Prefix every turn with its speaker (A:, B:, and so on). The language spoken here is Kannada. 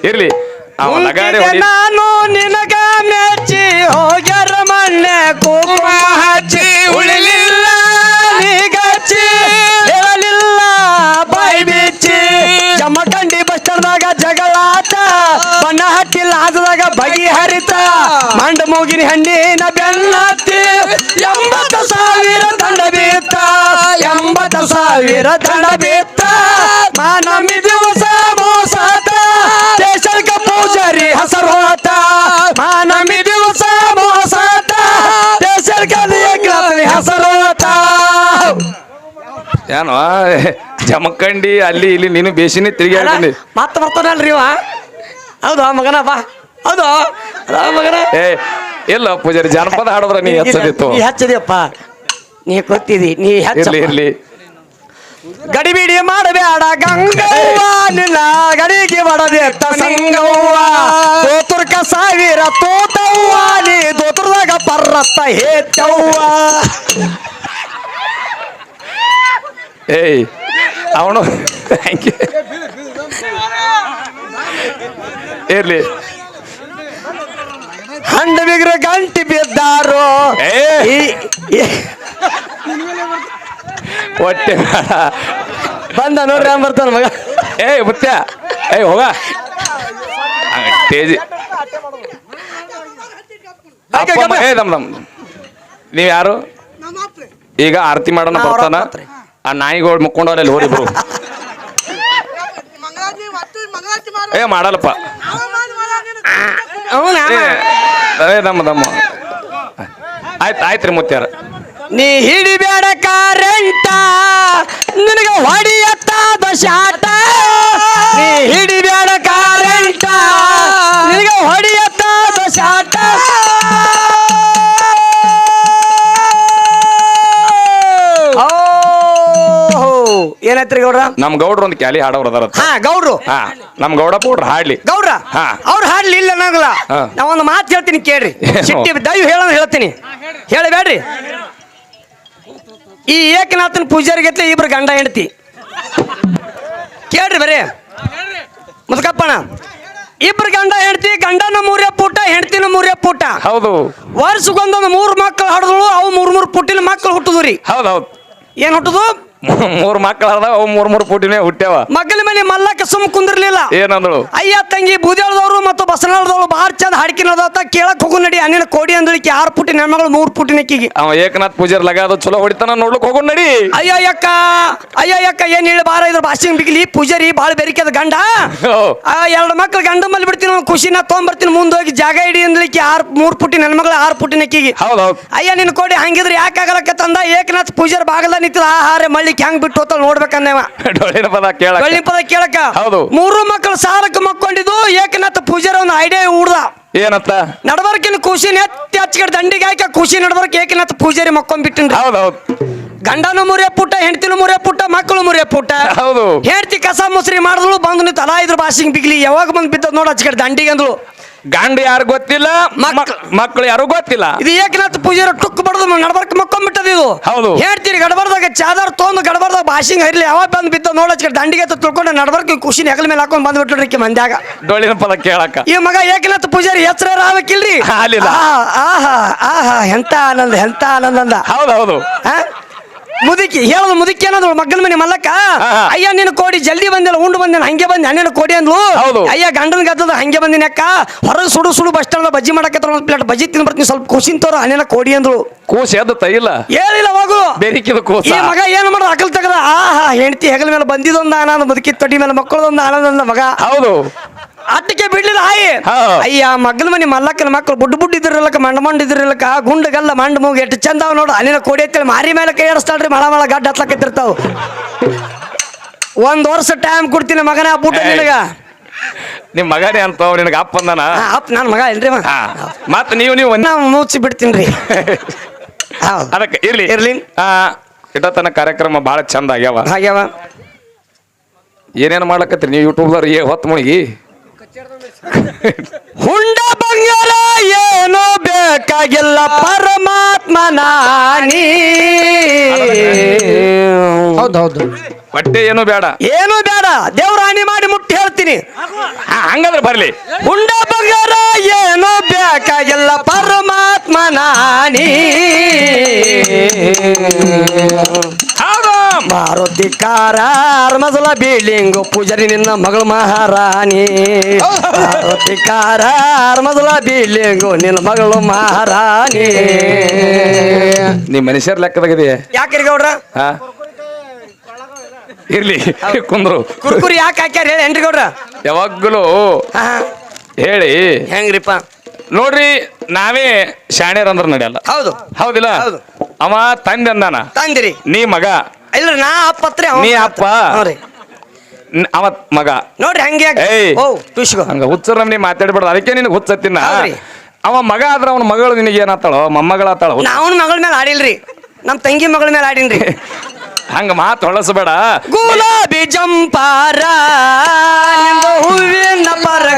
A: ಇರ್ಲಿ ಅವ ಲಗಾರೆ
B: ನಾನು ನಿನಗ ಮೆಚ್ಚಿ ಹೋಗ್ಯಾರ ಮಣ್ಣೆ ಕುಂಕುಮ ಹಚ್ಚಿ ಉಳಿಲಿಲ್ಲ ನೀಗಚ್ಚಿ ಹೇಳಲಿಲ್ಲ ಬಾಯಿ ಬಿಚ್ಚಿ ಜಮಖಂಡಿ ಬಸ್ ಸ್ಟಾಂಡ್ದಾಗ ಜಗಳಾಟ ಬಣ್ಣ ಹಟ್ಟಿಲ್ಲ ಆದದಾಗ ಬಗಿ ಹರಿತ ಮಂಡ ಮೂಗಿನ ಹಣ್ಣಿನ ಬೆನ್ನತ್ತಿ 80,000 ದಂಡ ಬೀತ್ತ 80,000 ದಂಡ ಬೀತ್ತ ಮಾನಮಿ ದಿವಸ ಮೋಸಾತ ಸ್ಟೇಷನ್ಕ ಪೂಜಾರಿ ಹಸರು ಹೋತ ಮಾನಮಿ ದಿವಸ ಮೋಸಾತ ಸ್ಟೇಷನ್ಕ ಹಸರು ಹೋತ
A: ಏನೋ ಜಮಖಂಡಿ ಅಲ್ಲಿ ಇಲ್ಲಿ ನೀನು ಬೇಸಿನೇ ತಿರುಗಾಡ್ತೀನಿ
B: ಮತ್ತೆ ಬರ್ತಾನಲ್ರಿ ಇವ ಹೌದು ಮಗನ ಬಾ ಹೌದು ಮಗನ
A: ಏ ಎಲ್ಲ ಪೂಜಾರಿ ಜಾನಪದ ಹಾಡೋದ್ರ ನೀ ಹಚ್ಚದಿತ್ತು
B: ನೀ ಹಚ್ಚದಿಯಪ್ಪ ನೀ ಗೊತ್ತಿದಿ ನೀ
A: ಇರ್ಲಿ ಇರ್ಲಿ
B: ಗಡಿಬಿಡಿ ಮಾಡಬೇಡ ಗಂಗವ್ವ ನಿನ್ನ ಗಡಿಗೆ ಮಾಡಬೇಕ ಸಂಗವ್ವ ದೋತುರ್ಕ 1000 ತೋತವ್ವ ನೀ ದೋತುರ್ದಾಗ ಪರ್ರತ್ತ ಹೇತವ್ವ
A: ಏಯ್ ಅವನು ಇರ್ಲಿ
B: ಹಂಡ ಬಿಗ್ರ ಗಂಟಿ ಬಿದ್ದಾರು
A: ಹೊಟ್ಟೆ
B: ಬಂದ ನೋಡ್ರಿ ಹಂಗ ಬರ್ತಾನ ಮಗ
A: ಏಯ್ ಮುತ್ಯ ಏಯ್ ಹೋಗ ತೇಜಿ ಏ ದಮ್ ನೀವ್ ಯಾರು ಈಗ ಆರತಿ ಮಾಡೋಣ ಬರ್ತಾನ ಆ ನಾಯಿಗಳು ಮುಕ್ಕೊಂಡವ್ರಲ್ಲಿ ಹೋರಿಬ್ರು ಏ ಮಾಡಲ್ಲಪ್ಪ ಏ ದಮ್ಮ ಆಯ್ತ್ರಿ ಮುತ್ಯಾರ
B: ನೀ ಹಿಡಿಬೇಡ ಕಾರೆಂಟ ನಿನಗ ಹೊಡಿಯತ್ತಾದ ಶಾಟ ನೀ ಹಿಡಿಬೇಡ ಕಾರೆಂಟ ನಿನಗ ಹೊಡಿಯತ್ತಾದ ಶಾಟ ಏನಾಯ್ತ್ರಿ ಗೌಡ್ರ
A: ನಮ್ ಗೌಡ್ರು ಒಂದು ಕ್ಯಾಲಿ ಹಾಡೋರು ಅದಾರ
B: ಗೌಡ್ರು
A: ನಮ್ ಗೌಡ ಪೌಡ್ರ ಹಾಡ್ಲಿ
B: ಗೌಡ್ರ ಅವ್ರು ಹಾಡ್ಲಿ ಇಲ್ಲ ಅನ್ನಂಗಿಲ್ಲ ನಾ ಒಂದು ಮಾತು ಹೇಳ್ತೀನಿ ಕೇಳ್ರಿ ಸಿಟ್ಟಿ ದಯವು ಹೇಳ್ತೀನಿ ಹೇಳಬೇಡ್ರಿ ಈ ಏಕನಾಥನ್ ಪೂಜಾರಿಗೆ ಇಬ್ರು ಗಂಡ ಹೆಂಡತಿ ಕೇಳ್ರಿ ಬರೀ ಮುದ್ಕಪ್ಪಣ ಇಬ್ರು ಗಂಡ ಹೆಂಡತಿ ಗಂಡನ 3 ಪುಟ ಹೆಂಡತಿನ 3 ಪುಟ
A: ಹೌದು
B: ವರ್ಷಕ್ಕೊಂದೊಂದು 3 ಮಕ್ಕಳು ಹಡದಳು ಅವು 3 ಪುಟ್ಟಿನ ಮಕ್ಕಳು ಹುಟ್ಟುದ್ರಿ
A: ಹೌದೌದು
B: ಏನ್ ಹುಟ್ಟುದು
A: 3 ಮಕ್ಕಳು ಅದಾವ ಅವು 3 ಪುಟಿನೇ ಹುಟ್ಟ್ಯಾವ
B: ಮಗಲ ಮನೆ ಮಲ್ಲಕ್ಕ ಸುಮ್ ಕುಂದಿರ್ಲಿಲ್ಲ
A: ಏನಂದಳು
B: ಅಯ್ಯ ತಂಗಿ ಬೂದ್ಯಾಳದವ್ರು ಮತ್ತು ಬಸನಾಳದವ್ರು ಬಾರ್ ಚಂದ ಹಾಡ್ಕಿನದ ಕೇಳಕ್ ಹೋಗು ನಡಿ ಅಣ್ಣಿನ ಕೋಡಿ ಅಂದಳಿಕೆ 6 ಪುಟಿನ ಹೆಣ್ಮಗಳು 3 ಪುಟಿನಕ್ಕಿಗೆ
A: ಅವ ಏಕನಾಥ್ ಪೂಜಾರ್ ಲಗಾದ ಚಲೋ ಹೊಡಿತಾನ ನೋಡ್ಲಿಕ್ ಹೋಗು ನಡಿ
B: ಅಯ್ಯಕ್ಕ ಏನ್ ಹೇಳಿ ಬಾರ ಇದ್ರ ಭಾಷೆ ಬಿಗ್ಲಿ ಪೂಜಾರಿ ಬಾಳ ಬೆರಿಕೆದ ಗಂಡ 2 ಮಕ್ಳು ಗಂಡ ಮಲ್ಲಿ ಬಿಡ್ತೀನಿ ಖುಷಿನ ತೊಗೊಂಬರ್ತೀನಿ ಮುಂದೋಗಿ ಜಾಗ ಇಡಿ ಅಂದಳಿಕೆ 3 ಪುಟಿನ ಹೆಣ್ಮಗಳು 6 ಪುಟಿನಕ್ಕಿಗೆ
A: ಹೌದೌದು
B: ಅಯ್ಯ ನಿನ್ ಕೋಡಿ ಹಂಗಿದ್ರೆ ಯಾಕಾಗಲಕ್ಕ ತಂದ ಏಕನಾಥ್ ಪೂಜಾರ್ ಬಾಗಲ ನಿಂತಿದ ಆಹಾರ ಮಳ್ಳಿ ಹೆಂಗ್ ಬಿಟ್ಟು ಹೋತ ನೋಡ್ಬೇಕಂದೇವ
A: ಡೊಳ್ಳಿನ ಪದ
B: ಕೇಳಕ 3 ಮಕ್ಕಳು ಸಾಲಕ್ಕೆ ಮಕ್ಕೊಂಡಿದ್ದು ಏಕನಾಥ ಪೂಜಾರ ಒಂದು ಐಡಿಯಾ ಉಡ್ದ
A: ಏನತ್ತ
B: ನಡಬರ್ಕಿನ ಖುಷಿ ನೆತ್ತಿ ಹಚ್ಕಡೆ ದಂಡಿಗೆ ಹಾಕ ಖುಷಿ ನಡಬರ್ಕ ಏಕನಾಥ ಪೂಜಾರಿ ಮಕ್ಕೊಂಡ್ಬಿಟ್ಟಿನ್ರಿ
A: ಹೌದೌದು
B: ಗಂಡನು 3 ಪುಟ್ಟ ಹೆಂಡತಿನ 3 ಪುಟ್ಟ ಮಕ್ಕಳು 3 ಪುಟ್ಟ
A: ಹೌದು
B: ಹೆಂಡತಿ ಕಸ ಮುಸ್ರಿ ಮಾಡಿದ್ಳು ಬಂದು ನೀವು ತಲಾ ಇದ್ರ ಭಾಷೆಗೆ ಬಿಗ್ಲಿ ಯಾವಾಗ ಬಂದು ಬಿದ್ದದ್ ನೋಡ ಹಚ್ಕಡೆ ದಂಡಿಗೆ ಅಂದ್ಳು
A: ಗಂಡ ಯಾರು ಗೊತ್ತಿಲ್ಲ ಮಕ್ಕಳು ಯಾರು ಗೊತ್ತಿಲ್ಲ
B: ಇದು ಏಕನಾಥ ಪೂಜಾರ ಟುಕ್ ಬಡದು ನಡಬರ್ಕ ಮಕ್ಕೊಂಡ್ಬಿಟ್ಟದ ಇದು
A: ಹೌದು
B: ಹೇಳ್ತೀರಿ ಗಡಬರ್ದಾಗ ಚಾದರ್ ತೊಂದು ಗಡಬರ್ದಾಗ ಭಾಷೆಗೆ ಹೈರ್ಲಿ ಯಾವಾಗ ಬಂದು ಬಿದ್ದ ನೋಡ ಹಚ್ಕಡೆ ದಂಡಿಗೆ ತಿಳ್ಕೊಂಡು ನಡಬರ್ಕ ಖುಷಿ ಹೆಗಲ ಮೇಲೆ ಹಾಕೊಂಡ್ ಬಂದ್ಬಿಟ್ರಿ ಮಂದ್ಯಾಗ
A: ಡೊಳ್ಳಿನ ಪದ ಕೇಳಕ
B: ಈ ಮಗ ಏಕನಾಥ ಪೂಜಾರಿ ಹೆಸರ ಆಗ್ಬೇಕಿಲ್ರಿ ಆಹಾ ಎಂತ ಆನಂದ ಅಂದ
A: ಹೌದೌದು
B: ಮುದುಕಿ ಹೇಳೋದು ಮುದುಕಿ ಅನ್ನೋದು ಮಗನ ಮನೆ ಮಲ್ಲಕ್ಕ ಅಯ್ಯ ನಿನ್ನ ಕೋಡಿ ಜಲ್ದಿ ಬಂದಿಲ್ಲ ಉಂಡು ಬಂದೇನ ಹಂಗೆ ಬಂದೆ ಹಣ್ಣಿನ ಕೋಡಿ ಅಂದ್ಲು ಅಯ್ಯ ಗಂಡನ ಗದ್ದದ ಹಂಗೆ ಬಂದಿನ ಅಕ್ಕ ಹೊರಗೆ ಸುಡು ಬಸ್ ಸ್ಟಾಂಡ್ ಬಜ್ಜಿ ಮಾಡಕತ್ತ ಒಂದು ಪ್ಲೇಟ್ ಬಜ್ಜಿ ತಿನ್ ಬರ್ತೀನಿ ಸ್ವಲ್ಪ ಖುಷಿ ತೋರ ಹಣ್ಣಿನ ಕೋಡಿ ಅಂದ್ಳು
A: ಕೂಸಿ ಎದ್ದ ಇಲ್ಲ
B: ಹೇಳಿಲ್ಲ ಹೋಗು
A: ಬೆರಿಕಿದ ಕೂಸ
B: ಈ ಮಗ ಏನು ಮಾಡೋದು ಅಕಲ್ ತಗದ ಹೆಂಡತಿ ಹೆಗಲ ಮೇಲೆ ಬಂದಿದೊಂದು ಆನಂದ ಮುದುಕಿ ತೊಡಿ ಮೇಲೆ ಮಕ್ಕಳದೊಂದು ಆನಂದ ಮಗ
A: ಹೌದು
B: ಅಟ್ಟಿಗೆ ಬಿಡ್ಲಿಲ್ಲ ಅಯ್ಯ ಮಗನ ಮನೆ ಮಲ್ಲಕ್ಕನ ಮಕ್ಕಳು ಬುಡ್ಡು ಇದ್ರಲ್ಲಕ ಮಂಡ್ ಇದ್ರಲ್ಲಕ ಗುಂಡಗಲ್ಲ ಮಂಡ್ ಮೂಗ್ ಎಷ್ಟು ಚಂದ ನೋಡು ಅಲ್ಲಿನ ಕೋಡಿ ಅಂತೇಳಿ ಮಾರಿ ಮೇಲೆ ಕೈ ಆಡಿಸ್ತಾಳ್ರಿ ಮಳ ಗಡ್ಡ ಹತ್ಲಕತ್ತಿರ್ತಾವ 1 ವರ್ಷ ಟೈಮ್ ಕೊಡ್ತೀನಿ ಮಗನ ಬುಟ್ಟ ನಿನಗ
A: ನಿಮ್ ಮಗನೇ ಅಂತ ನಿನಗ ಅಪ್ಪ ಅಂದನ
B: ಅಪ್ಪ ನನ್ನ ಮಗ ಇಲ್ರಿ
A: ಮತ್ ನೀವು
B: ಮುಚ್ಚಿ ಬಿಡ್ತೀನಿ
A: ಅದಕ್ಕೆ ಇರ್ಲಿ ಇಟ್ಟತನ ಕಾರ್ಯಕ್ರಮ ಬಹಳ ಚಂದ ಆಗ್ಯಾವ ಏನೇನು ಮಾಡ್ಲಕತ್ರಿ ನೀವು ಯೂಟ್ಯೂಬ್ದವ್ರು ಹೊತ್ತು ಮುಳುಗಿ
B: ಹುಂಡ ಬಂಗಾರ ಏನು ಬೇಕಾಗಿಲ್ಲ ಪರಮಾತ್ಮ ನಾನಿ ಹೌದೌದು
A: ಹೊಟ್ಟೆ ಏನು ಬೇಡ,
B: ಏನು ಬೇಡ, ದೇವ್ರ ಹಾನಿ ಮಾಡಿ ಮುಟ್ಟಿ ಹೇಳ್ತೀನಿ.
A: ಹಂಗಂದ್ರೆ ಬರ್ಲಿ.
B: ಉಂಡ ಬಂಗಾರ ಏನು ಬೇಕಾಗಿಲ್ಲ, ಪರಮಾತ್ಮ ನಾನಿ. ಮಾರುತಿ ಕಾರ ಮೊದಲ ಬಿಲ್ಡಿಂಗ್ ಪೂಜಾರಿ ನಿನ್ನ ಮಗಳು ಮಹಾರಾಣಿ. ಮಾರುತಿ ಕಾರ ಮೊದಲ ಬಿಲ್ಡಿಂಗು ನಿನ್ನ ಮಗಳು ಮಹಾರಾಣಿ.
A: ನೀ ಮನುಷ್ಯರ ಲೆಕ್ಕದಾಗಿದೆಯಾ?
B: ಯಾಕ್ರಿ ಗೌಡ್ರ?
A: ಇರ್ಲಿ ಕುಂದ್ರು.
B: ಕುರ್ಕುರಿ ಯಾಕೆ ಹಾಕ್ಯಾರ ಹೇಳಿ ಏನ್ರಿ ಗೌಡ್ರ?
A: ಯಾವಾಗಲೂ ಹೇಳಿ
B: ಹೆಂಗ್ರಿಪ್ಪ
A: ನೋಡ್ರಿ, ನಾವೇ ಶಾಣ್ಯರ್ ಅಂದ್ರ ನಡೆಯಲ್ಲ.
B: ಹೌದು
A: ಹೌದಿಲ್ಲ?
B: ಹೌದು.
A: ಅವ ತಂದೆ ಅಂದಾನ,
B: ತಂದಿರಿ
A: ನೀ ಮಗ.
B: ಇಲ್ಲ ನಾ ಅಪ್ಪತ್ರಿ,
A: ನೀ ಅಪ್ಪ, ಅವ ಮಗ.
B: ನೋಡ್ರಿ ಹಂಗೆ ತುಷ್ಕೋ
A: ಹಂಗ ಹುಚ್ಚರ ನೀ ಮಾತಾಡ್ಬೇಡ, ಅದಕ್ಕೆ ನಿನಗೆ ಹುಚ್ಚತ್ತಿನ.
B: ಹೌದ್ರಿ.
A: ಅವ ಮಗ ಆದ್ರ ಅವನ ಮಗಳು ನಿನಗೆ ಏನಾತಾಳೋ, ಮೊಮ್ಮಗಳಾತಾಳ.
B: ನಾವನ್ ಮಗಳ ಮೇಲೆ ಆಡಿಲ್ರಿ, ನಮ್ ತಂಗಿ ಮಗಳ ಮೇಲೆ ಆಡಿನ್ರಿ.
A: ಹಂಗ ಮಾತು ಹೊಳಸಬೇಡ.
B: ಗುಲಾಬಿ ಜಂಪಾರ ಹೂವಿನ ಪರ